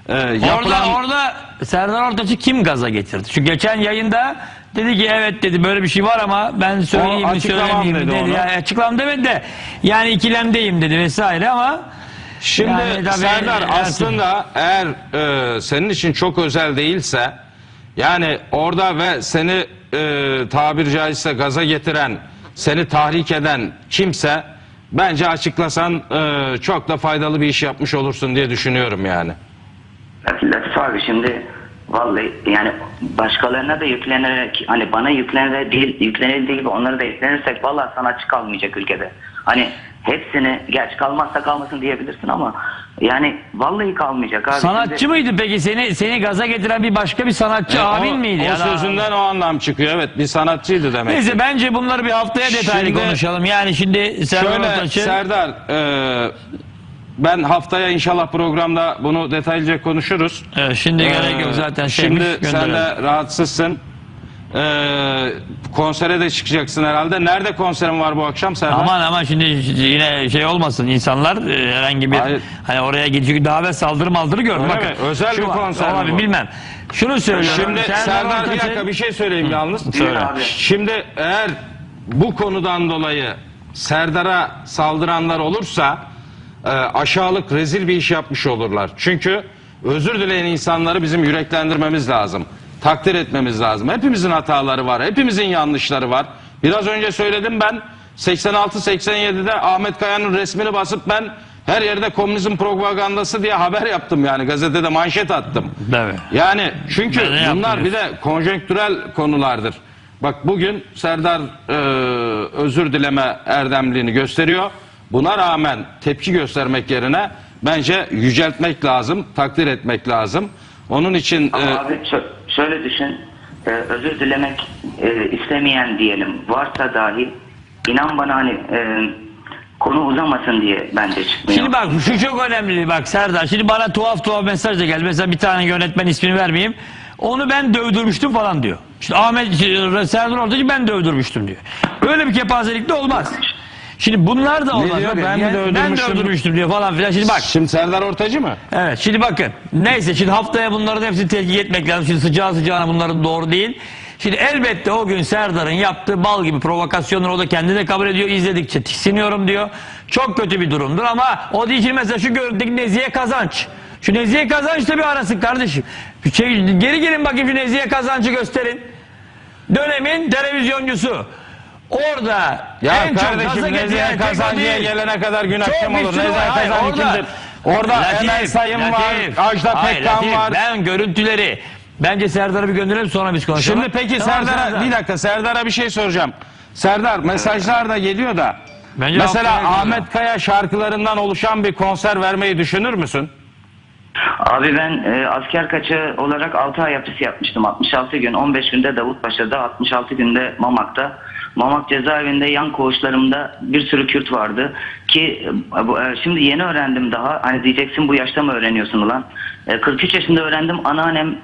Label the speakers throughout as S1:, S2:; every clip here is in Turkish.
S1: Orada Serdar Ortaç'ı kim gaza getirdi? Şu geçen yayında dedi ki evet dedi böyle bir şey var ama ben söyleyeyim mi söylemeyeyim mi dedi. Yani açıklamam demedi de yani ikilemdeyim dedi vesaire ama
S2: şimdi
S1: yani,
S2: Serdar aslında eğer senin için çok özel değilse yani orada ve seni tabiri caizse gaza getiren, seni tahrik eden kimse bence açıklasan çok da faydalı bir iş yapmış olursun diye düşünüyorum yani.
S3: Latif abi şimdi vallahi yani başkalarına da yüklenerek hani bana yüklenildiği gibi onlara da yüklenirsek vallahi sanatçı kalmayacak ülkede. Hani hepsini gerçi kalmazsa kalmasın diyebilirsin ama yani vallahi kalmayacak abi.
S1: Sanatçı
S3: şimdi...
S1: mıydı peki seni gaza getiren bir başka bir sanatçı abin miydi?
S2: O sözünden o anlam çıkıyor. Evet bir sanatçıydı demek.
S1: Neyse bence bunları bir haftaya detaylı konuşalım. Yani şimdi
S2: Serdar ben haftaya inşallah programda bunu detaylıca konuşuruz.
S1: Şimdi gerek yok zaten.
S2: Şimdi sen de rahatsızsın. Konsere de çıkacaksın herhalde. Nerede konserin var bu akşam Serdar?
S1: Aman şimdi yine şey olmasın insanlar herhangi bir hani oraya gidecek davet saldırı görün. Bakın
S2: özel bir konser
S1: abi bilmem. Şunu söylüyorum.
S2: Şimdi Serdar bir dakika bir şey söyleyeyim yalnız. Şimdi eğer bu konudan dolayı Serdar'a saldıranlar olursa aşağılık rezil bir iş yapmış olurlar. Çünkü özür dileyen insanları bizim yüreklendirmemiz lazım. Takdir etmemiz lazım. Hepimizin hataları var. Hepimizin yanlışları var. Biraz önce söyledim ben 86-87'de Ahmet Kaya'nın resmini basıp ben her yerde komünizm propagandası diye haber yaptım yani gazetede manşet attım.
S1: Evet.
S2: Yani çünkü bunlar bir de konjonktürel konulardır. Bak bugün Serdar özür dileme erdemliğini gösteriyor. Buna rağmen tepki göstermek yerine bence yüceltmek lazım, takdir etmek lazım. Onun için...
S3: Abi şöyle düşün, özür dilemek istemeyen diyelim varsa dahi inan bana hani konu uzamasın diye bence çıkmıyor.
S1: Şimdi bak şu çok önemli bak Serdar. Şimdi bana tuhaf mesaj da geldi. Mesela bir tane yönetmen ismini vermeyeyim. Onu ben dövdürmüştüm falan diyor. İşte Serdar Ortaç'ı ben dövdürmüştüm diyor. Böyle bir kepazelik de olmaz. Şimdi bunlar da olmaz.
S2: Diyor,
S1: ben dövdürmüştüm diyor falan filan. Şimdi bak.
S2: Şimdi Serdar Ortaç'ı mı?
S1: Evet şimdi bakın. Neyse şimdi haftaya bunların hepsini tetkik etmek lazım. Şimdi sıcağına bunların doğru değil. Şimdi elbette o gün Serdar'ın yaptığı bal gibi provokasyonları o da kendi de kabul ediyor. İzledikçe tiksiniyorum diyor. Çok kötü bir durumdur ama o değil mesela şu görüntüdeki Nezihe Kazanç. Şu Nezihe Kazanç'ta bir arasın kardeşim. Geri gelin bakayım şu Nezihe Kazanç'ı gösterin. Dönemin televizyoncusu. Orada
S2: ya
S1: en çok gaza getiren
S2: Kazancı'ya gelene kadar gün akşam olur. Nezihe Kazancı kimdir? Orada Emel Sayın var, Ajda Pekkan var.
S1: Ben görüntüleri bence Serdar'a bir gönderelim sonra biz konuşalım.
S2: Şimdi peki Serdar'a bir dakika Serdar'a bir şey soracağım. Serdar mesajlar da geliyor da bence mesela Ahmet Kaya şarkılarından oluşan bir konser vermeyi düşünür müsün?
S3: Abi ben asker kaçağı olarak 6 ay hapis yapmıştım. 66 gün, 15 günde Davutpaşa'da, 66 günde Mamak'ta. Mamak cezaevinde yan koğuşlarımda bir sürü Kürt vardı ki şimdi yeni öğrendim daha. Hani diyeceksin bu yaşta mı öğreniyorsun ulan? 43 yaşında öğrendim. Anneannem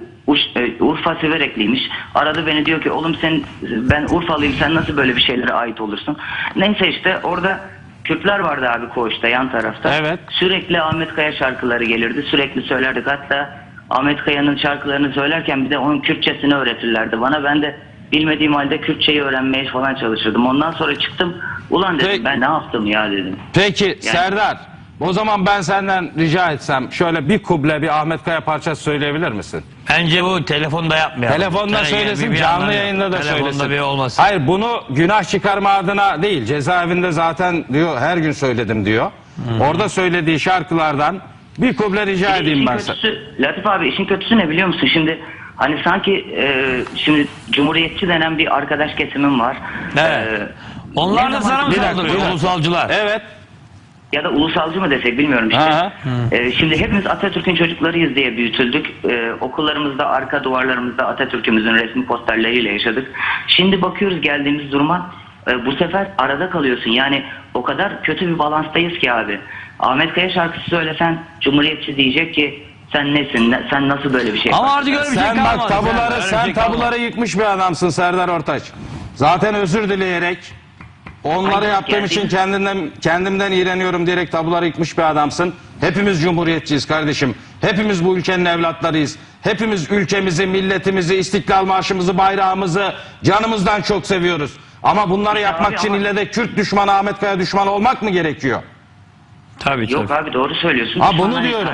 S3: Urfa Siverekliymiş. Aradı beni diyor ki oğlum ben Urfalıyım sen nasıl böyle bir şeylere ait olursun? Neyse işte orada Kürtler vardı abi koğuşta yan tarafta.
S2: Evet.
S3: Sürekli Ahmet Kaya şarkıları gelirdi. Sürekli söylerdik. Hatta Ahmet Kaya'nın şarkılarını söylerken bir de onun Kürtçesini öğretirlerdi bana. Ben de bilmediğim halde Kürtçeyi öğrenmeye falan çalışırdım. Ondan sonra çıktım. Ulan dedim ben ne yaptım ya dedim.
S2: Peki
S3: yani...
S2: Serdar o zaman ben senden rica etsem şöyle bir kuble bir Ahmet Kaya parçası söyleyebilir misin?
S1: Bence bu telefonda yapmayalım.
S2: Telefonda söylesin, canlı yayında da söylesin.
S1: Bir olmasın.
S2: Hayır bunu günah çıkarma adına değil. Cezaevinde zaten diyor her gün söyledim diyor. Orada söylediği şarkılardan bir kuble rica edeyim ben sana.
S3: Latif abi işin kötüsü ne biliyor musun? Şimdi hani sanki şimdi Cumhuriyetçi denen bir arkadaş kesimim var.
S1: Evet. Onlar da sana mı saldırıyor ulusalcılar?
S2: Evet.
S3: Ya da ulusalcı mı desek bilmiyorum işte. Şimdi hepimiz Atatürk'ün çocuklarıyız diye büyütüldük. Okullarımızda arka duvarlarımızda Atatürk'ümüzün resmi posterleriyle yaşadık. Şimdi bakıyoruz geldiğimiz duruma bu sefer arada kalıyorsun. Yani o kadar kötü bir balanstayız ki abi. Ahmet Kaya şarkısı söylesen Cumhuriyetçi diyecek ki sen nesin? Sen nasıl böyle bir şey
S1: yaparsın? Ama artık öyle bir şey kalmadı.
S2: Sen tabuları yıkmış bir adamsın Serdar Ortaç. Zaten özür dileyerek onları yaptığım için kendimden iğreniyorum diyerek tabuları yıkmış bir adamsın. Hepimiz cumhuriyetçiyiz kardeşim. Hepimiz bu ülkenin evlatlarıyız. Hepimiz ülkemizi, milletimizi, İstiklal Marşımızı, bayrağımızı canımızdan çok seviyoruz. Ama bunları yapmak için ille de Kürt düşmanı, Ahmet Kaya düşmanı olmak mı gerekiyor?
S1: Tabii
S3: Yok
S1: tabii.
S3: abi doğru söylüyorsun.
S2: Ha,
S3: Şu
S2: bunu
S3: an hani
S2: diyorum.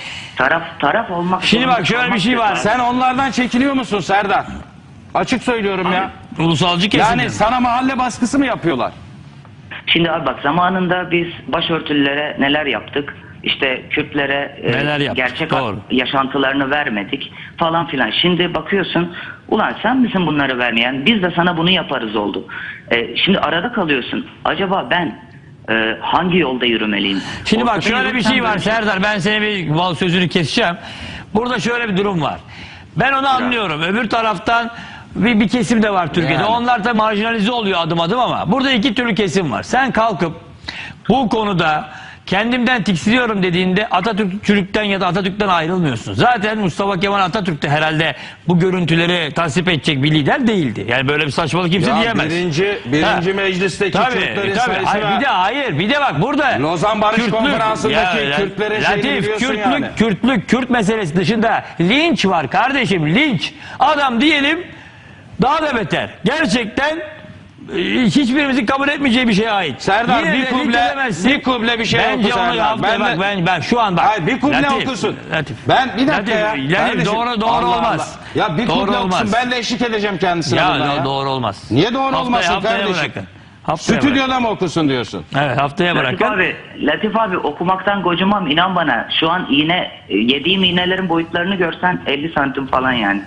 S3: Taraf olmak.
S1: Şimdi
S3: zorunda
S1: bak şöyle bir
S3: kalmak
S1: şey var.
S3: yok.
S2: Sen onlardan çekiliyor musun Serdar? Açık söylüyorum ya.
S1: Ulusalcı kesim.
S2: Yani sana mahalle baskısı mı yapıyorlar?
S3: Şimdi abi bak zamanında biz başörtülülere neler yaptık? İşte Kürtlere
S1: Neler yaptık,
S3: gerçek
S1: doğru.
S3: yaşantılarını vermedik falan filan. Şimdi bakıyorsun ulan sen misin bunları vermeyen? Biz de sana bunu yaparız oldu. Şimdi arada kalıyorsun. Acaba ben hangi yolda yürümeliyim?
S1: Şimdi bak
S3: Ortada
S1: şöyle bir
S3: yürürsem
S1: şey var
S3: böyle-
S1: Serdar, ben seni bir val sözünü keseceğim. Burada şöyle bir durum var. Ben onu anlıyorum. Öbür taraftan bir kesim de var Türkiye'de.
S2: Yani.
S1: Onlar da marjinalize oluyor adım adım ama burada iki türlü kesim var. Sen kalkıp bu konuda kendimden tiksiniyorum dediğinde Atatürkçülükten ya da Atatürk'ten ayrılmıyorsun. Zaten Mustafa Kemal Atatürk de herhalde bu görüntüleri tasvip edecek bir lider değildi. Yani böyle bir saçmalık kimse
S2: Ya
S1: diyemez.
S2: birinci meclisteki Kürtlerin sayısı
S1: Hayır, bir de bak burada
S2: Lozan Barış Konferansı'ndaki
S1: Ya,
S2: Kürtlerin şeyini
S1: Latif,
S2: biliyorsun yani.
S1: Kürt meselesi dışında linç var kardeşim, linç. Adam diyelim daha da beter. Gerçekten hiçbirimizin kabul etmeyeceği bir şeye ait.
S2: Serdar,
S1: Yine
S2: bir
S1: de
S2: kuble-
S1: linç edemezsin.
S2: bir kuble bir şey
S1: Bence
S2: oku
S1: onu
S2: Serdar.
S1: haftaya
S2: Ben de-
S1: ben şu an bak.
S2: Hayır, bir kuble okusun.
S1: Latif.
S2: Ben bir dakika
S1: Latif,
S2: ya.
S1: Latif,
S2: Kardeşim,
S1: doğru
S2: Allah
S1: olmaz.
S2: Allah. Ya bir
S1: Doğru
S2: kuble
S1: olmaz.
S2: okusun, ben de eşlik edeceğim kendisine
S1: Ya,
S2: burada ya.
S1: doğru olmaz.
S2: Niye doğru olmasın
S1: haftaya
S2: kardeşim?
S1: Bırakın. Haftaya bırakın.
S2: Stüdyoda mı okusun diyorsun?
S1: Evet, haftaya
S3: Latif
S1: bırakın.
S3: Latif abi okumaktan gocumam inan bana. Şu an yediğim iğnelerin boyutlarını görsen 50 santim falan yani.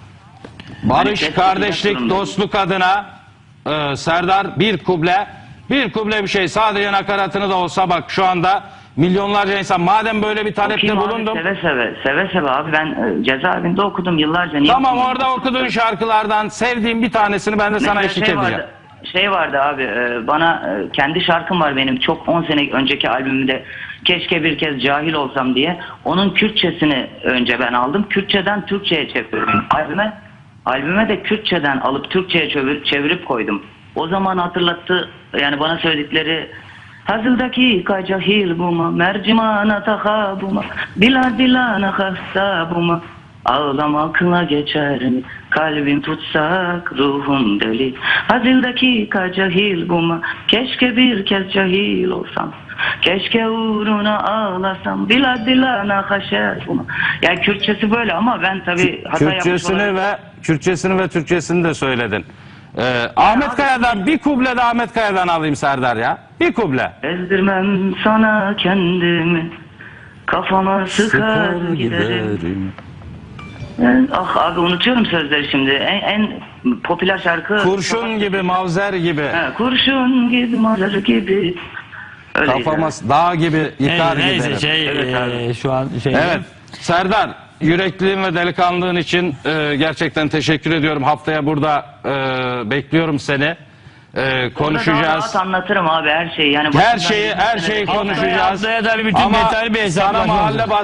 S2: Barış,
S3: Hani
S2: kardeşlik,
S3: durumda.
S2: dostluk adına Serdar bir kuble bir şey, sadece nakaratını da olsa bak şu anda milyonlarca insan, madem böyle bir talepte
S3: Okuyayım abi,
S2: bulundum.
S3: Seve seve abi ben cezaevinde okudum yıllarca. Niye
S2: Tamam,
S3: okumadım?
S2: orada okuduğun şarkılardan sevdiğim bir tanesini ben de sana
S3: Mesela
S2: eşlik edeceğim.
S3: Şey vardı abi bana kendi şarkım var benim çok 10 sene önceki albümümde keşke bir kez cahil olsam diye onun Kürtçesini önce ben aldım, Kürtçeden Türkçe'ye çevirdim albüme de Kürtçeden alıp Türkçe'ye çevirip koydum. O zaman hatırlattı yani bana söyledikleri hazıldaki cahil buma mercimana tahabuma biladilana hasabuma ağlamakla geçer mi kalbim tutsak ruhum deli hazıldaki cahil buma keşke bir kez cahil olsam keşke uğruna ağlasam biladilana haşabuma yani Kürtçesi böyle ama ben tabii hata yapmış olarak...
S2: Kürtçesini ve Türkçesini de söyledin. Ahmet Kaya'dan bir kuble de Ahmet Kaya'dan alayım Serdar ya. Bir kuble.
S3: Ezdirmem sana kendimi kafama sıkar giderim. Ah abi unutuyorum sözleri şimdi. En popüler şarkı.
S2: Kurşun gibi, mavzer gibi.
S3: He, kurşun gibi, mazar gibi. Öyleydi.
S2: Kafama dağ gibi yıkar
S1: Neyse
S2: giderim.
S3: Evet abi.
S1: şu an
S2: Evet. Serdar, yürekliğin ve delikanlığın için gerçekten teşekkür ediyorum. Haftaya burada bekliyorum seni. Konuşacağız.
S3: Daha rahat anlatırım abi her şeyi. Yani
S2: Her şeyi konuşacağız.
S1: Haftaya tabii bütün
S2: Ama
S1: detaylı bir hesaplaşma
S2: sana mahalle
S1: olacak.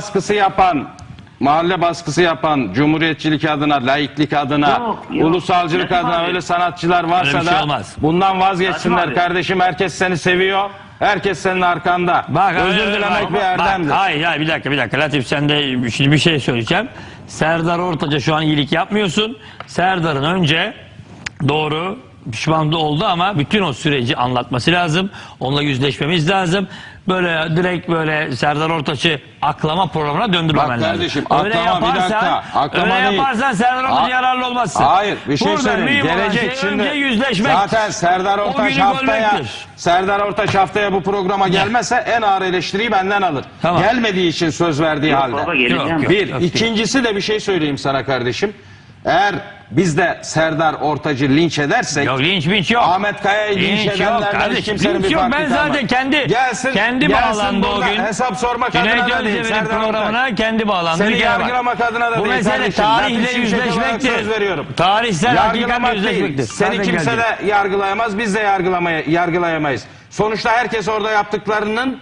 S2: baskısı yapan, cumhuriyetçilik adına, laiklik adına,
S3: Yok.
S2: ulusalcılık
S3: Latif
S2: adına
S3: abi.
S2: öyle sanatçılar varsa
S1: Öyle bir şey
S2: da
S1: olmaz.
S2: bundan vazgeçsinler
S3: Latif abi.
S2: kardeşim. Herkes seni seviyor. Herkes senin arkanda. Özür dilemek bir erdemdir.
S1: Hayır bir dakika Latif, sen de şimdi bir şey söyleyeceğim. Serdar Ortaç'a şu an iyilik yapmıyorsun. Serdar'ın önce doğru pişman da oldu ama bütün o süreci anlatması lazım. Onunla yüzleşmemiz lazım. Böyle direkt böyle Serdar Ortaç'ı aklama programına döndürmemen
S2: Bak
S1: lazım.
S2: kardeşim,
S1: Öyle
S2: aklama bir dakika, aklama
S1: öyle
S2: değil.
S1: yaparsan Serdar Ortaç'a yararlı olmazsın.
S2: Hayır, bir şey
S1: Burada
S2: söyleyeyim.
S1: mühim olan
S2: Gelecek
S1: şey
S2: şimdi.
S1: önce yüzleşmek.
S2: Zaten Serdar
S1: O
S2: Ortaç
S1: günü görmektir.
S2: bu programa gelmezse en ağır eleştiriyi benden alır.
S1: Tamam.
S2: Gelmediği için söz verdiği
S3: Yok
S2: halde.
S3: baba geleceğim.
S1: Yok.
S2: Bir, ikincisi de bir şey söyleyeyim sana kardeşim. Eğer biz de Serdar Ortaç'ı linç edersek,
S1: Yok linç yok.
S2: Ahmet Kaya'yı linç
S1: yok
S2: edenlerden hiç
S1: kardeşim.
S2: kimsenin
S1: Linç
S2: bir
S1: yok.
S2: farkı
S1: Ben
S2: kalmaz.
S1: zaten kendi bağlandı o
S2: burada
S1: gün.
S2: hesap sormak adına
S1: Cüneyt
S2: da değil
S1: Özdemir'in
S2: Serdar Ortaç.
S1: programına kendi bağlandı.
S2: Seni
S1: Bir kere bak.
S2: yargılamak adına da
S1: Bu
S2: değil
S1: mesele
S2: kardeşim. Ben
S1: tarihle
S2: Şimşek olarak
S1: yüzleşmektir.
S2: söz veriyorum.
S1: Tarihsel hakikatle
S2: Yargılamak değil.
S1: yüzleşmektir.
S2: Seni
S1: Zaten
S2: kimse
S1: geldi.
S2: de yargılayamaz. Biz de yargılayamayız. Sonuçta herkes orada yaptıklarının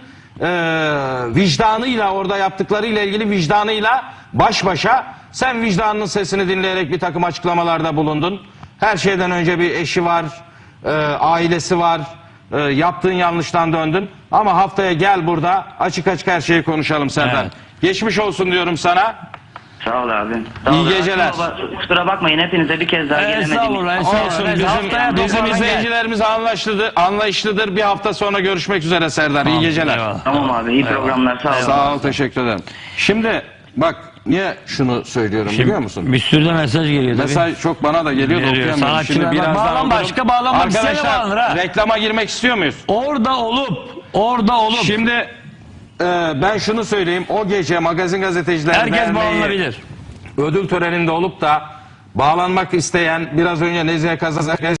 S2: vicdanıyla, orada yaptıklarıyla ilgili vicdanıyla baş başa. Sen vicdanının sesini dinleyerek bir takım açıklamalarda bulundun. Her şeyden önce bir eşi var, ailesi var. Yaptığın yanlıştan döndün. Ama haftaya gel burada açık açık her şeyi konuşalım Serdar.
S1: Evet.
S2: Geçmiş olsun diyorum sana.
S3: Sağ ol abi. Sağ
S2: İyi
S3: ol.
S2: geceler.
S3: Kusura bakmayın, hepinize bir kez daha gelemedim.
S1: Estağfurullah,
S2: Olsun,
S1: estağfurullah. Haftaya
S2: bizim
S1: toparlan gel.
S2: izleyicilerimiz anlayışlıdır. Bir hafta sonra görüşmek üzere Serdar. İyi geceler.
S1: Eyvallah.
S3: Tamam abi, iyi programlar, sağ ol.
S2: Sağ ol, teşekkür ederim. Şimdi bak niye şunu söylüyorum biliyor musun?
S1: Bir sürü de mesaj geliyor tabii.
S2: Mesaj çok bana da geliyor da
S1: Geliyor.
S2: okuyamıyorum. Şimdi
S1: Sanatçılar bak,
S2: birazdan
S1: bağlan
S2: okurum.
S1: başka, bağlanmak isteyene bağlanır ha.
S2: Arkadaşlar reklama girmek istiyor muyuz?
S1: Orada olup
S2: Şimdi ben şunu söyleyeyim. O gece Magazin Gazeteciler
S1: herkes
S2: Derneği
S1: bağlanabilir.
S2: ödül töreninde olup da bağlanmak isteyen biraz önce Nezihe Kazazakez